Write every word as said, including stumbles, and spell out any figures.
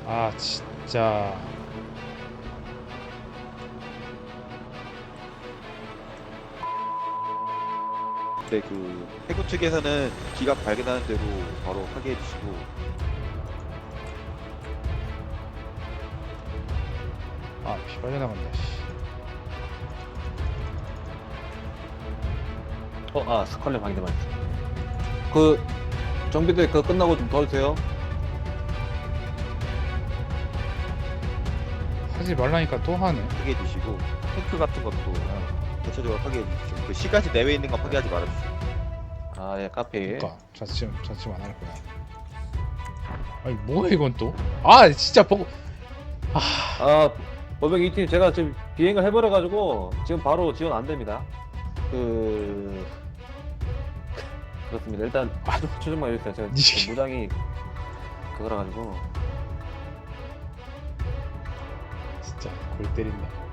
아 진짜. 근데 그 해군 측에서는 기갑 발견하는 대로 바로 파괴해 주시고 아 피 빨려나간다 씨. 어, 아, 스컬렛 방대만 있어. 그, 정비대 그거 끝나고 좀 도와주세요. 하지 말라니까 또 하네. 파괴해 주시고 탱크 같은 것도 대체적으로 파괴해 주시고 그 시가지 내외에 있는 건 파괴하지 말아주세요. 아, 예, 카페. 그니까 자칫 자칫 안 할 거야. 아니 뭐야 이건 또? 아 진짜 보고. 아 아, 오백이 팀 제가 지금 비행을 해버려가지고 지금 바로 지원 안 됩니다. 그, 그렇습니다. 일단, 추정만 해주세요. 제가 니- 무장이 그거라 가지고. 진짜 골 때린다.